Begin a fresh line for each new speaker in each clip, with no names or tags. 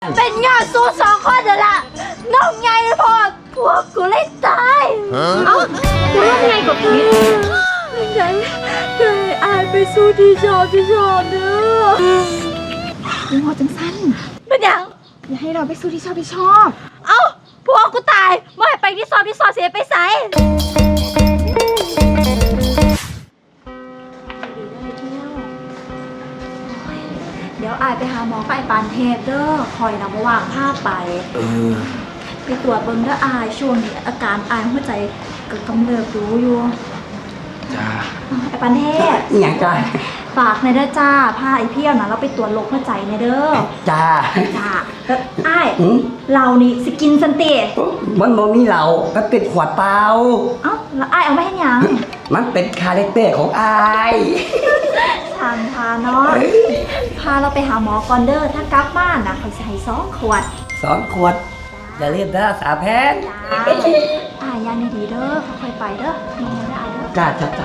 เป็นยอดสู้สองคนเดี๋ยวละน้องใหญ่พอพวกกูเลยตายเอ้ากูว่าไงกับพี่ยังไงเคยอายไปสู้ที่ชอบเด้อ
ยังพอจังสั้น
เป็นยัง
อย่าให้เราไปสู้ที่ชอบ
เอ้าพวกกูตายไม่ไปที่สอบเสียไปใส่เดี๋ยวอายไปหาหมอกับไอ้ปานเทพเด้อคอยนำมาวางภาพไปไปตรวจเบิ่งเด้ออายช่วงนี้อาการอายหัวใจก็กำเริบรู้อยู่
จ้า
ไอ้ปานเทพ
อย่างจ้า
ฝากในเด้อจ้าพาไอ้เพี้ยวนะเราไปตรวจโรคหัวใจในเด้อ
จ้า
แล้วอายเรานี่สกินสันติ
มันบ่มีเราก็ติดขวดเปล่า
เอ้าแล้วอายเอาไม่ให้ยัง
มันเป็นคาแรคเตอร์ของอาย
ทางพาเนาะพาเราไปหาหมอก่อนเด้อถ้ากลับบ้านนะเขาจะให้2 ขวด
2 ขวดอย่าลืมเด้อสาแพน
อายยันดีเด้อค่อยๆไปเด้อมองได้อายเด้อ
จ้า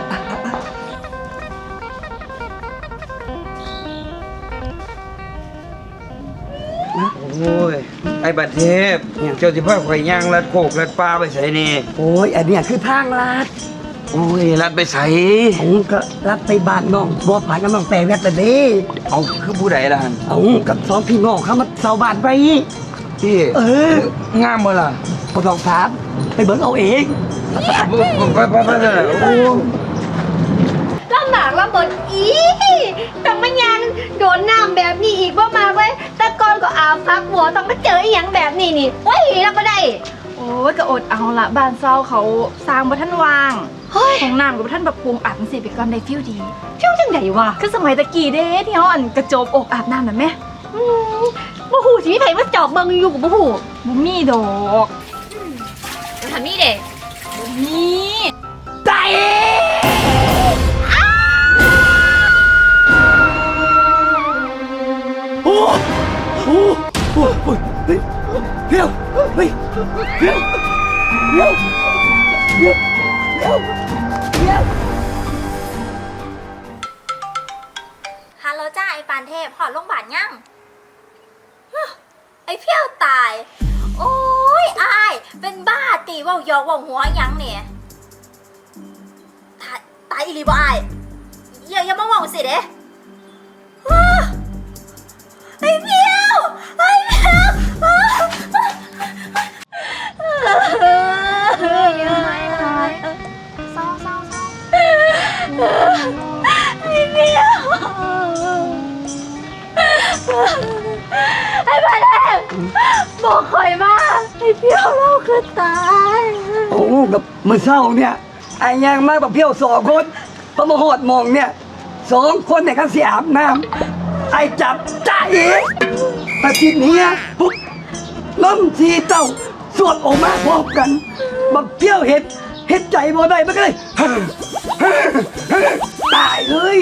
โอ้ยไอ้บัดเทพเจ้าสิพาข่อยย่างลัดโคกลัดปลาไปใส่นี่
โอ้ยอันเนี้ยคือทางลัด
โอ้ยลัดไปใส่
ผมก็ลัดไปบ้านน้องบัวผ่านกับน้องแต่แวดเลยดิ
เอาคือผู้ใดล่ะ
เอากับ2 พี่น้องเขามาเซาบ้านไป
พี่งามบ่ล่ะ
บ่ต้องถามไปเบิ่งเอาเอง
ไปโอ้
ลำบากลำบนอีแต่มันยังโดนน้ำแบบนี้อีกบ่มาเว้ยแต่ก่อนก็อาบพักหัวต้องมาเจออีหยังแบบนี้นี่โอ้ยรับบ่ได้
โอ้ยก็อดเอาละบ้านเซาเขาสร้างบ่ทันวางของน้ำกับท่านแบบปรุงอาบมันสิไปก่อนได้ฟิวดีฟิวจังไดวะคือสมัยตะกี้เด้ที่เขาอันกระโจบอกอาบน้ำน่ะแม่
บ่ฮู้สิมีไผมาจอบเบิ่งอยู่กับบ่ฮู้
บ่มีดอก
ทำนี่เด้
บ่มี
ใจโอ้โอ้โอ้เพี้ยวเฮ้ยเพี้ยว
ฮัลโหลจ้าไอ้ปานเทพหอดโรงพยาบาลยังไอ้เพี้ยวตายโอ้ยอายเป็นบ้าตีว่ายอกว่าหัวยังเนี่ยตายอีหลีบ่อายอย่ามาว่าสิเด้ไอ้เพี้ยวเศร้าไอ้เพี้ยวไอ้บ้านเอ็มบอกคอยมาไอ้เพี้ยวเราคือตาย
โอ้กับมือเศร้าเนี่ยไอ้ยังมาแบบเพี้ยว2 คนพอมาหอดมองเนี่ย2 คนเนี่ยกันเสียอาบน้ำไอ้จับจ่าเองอาทิตย์นี้ปุ๊บล้มทีเจ้าสวดออกมาพร้อมกันบักเพี้ยวเห็ดใจบ่ได้มันก็เลยตายเลย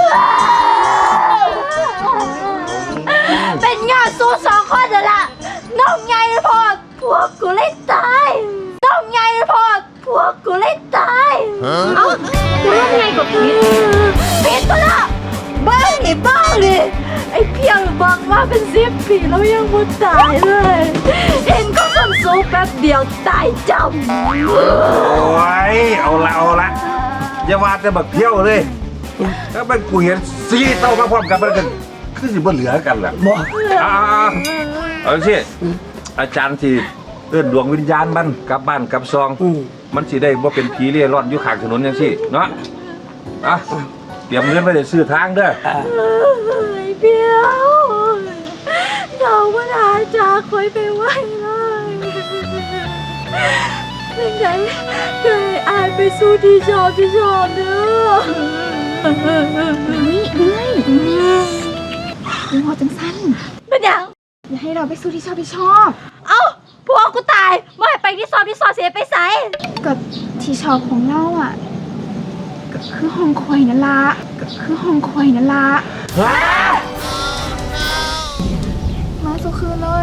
เป็นยอดสู้2 คนเดี๋ยวละน้องใหญ่พอพวกกูเลยตายน้องใหญ่พอพวกกูเลยตายเอ้ากูว่าไงกับพี่ก็ละบ้าดิไอ้เพี้ยวบอกว่าเป็น10 ปีแล้วยังไม่ตายเลยเห็นก็ส้นสูงแป๊บเดียวตายจำ
โอ้ยเอาละอย่าว่าแต่บักเที่ยวเลยถ้ามันกูเห็น4 เต้ามาพร้อมกันมันก็คือสิบ่เหลือกันล่ะ
บ่
เอาสิอาจารย์ที่เอิ้นดวงวิญญาณมันกลับบ้านกลับซองมันสิได้บ่เป็นผีเร่ร่อนอยู่ข้างถนนจังซี่เนาะเตรียมเงินไว้ได้ซื้อทางเด้อ
ไอ้เพี้ยวเราไม่ได้จากคอยไปไว้เลยยังไงเคยอายไปสู้ที่ชอบเด้อ
ยังพอจังสั้น
เป็นยัง
อย่าให้เราไปสู้ที่ชอบ
เอ้าพวกกูตายไม่ไปที่สอบเสียไปใส่
กับที่ชอบของเราอ่ะก็คือห้องคอยนั่นละมาสุคืนเลย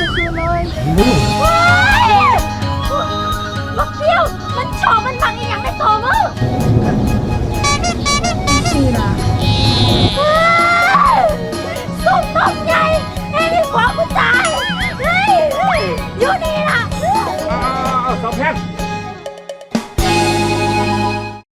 บักเพี้ยวมันชอบมันบังอย่างในตัวมึง
สิล่ะ
ส้มตำใหญ่ไอ้ที่ขวากูตาย
แพน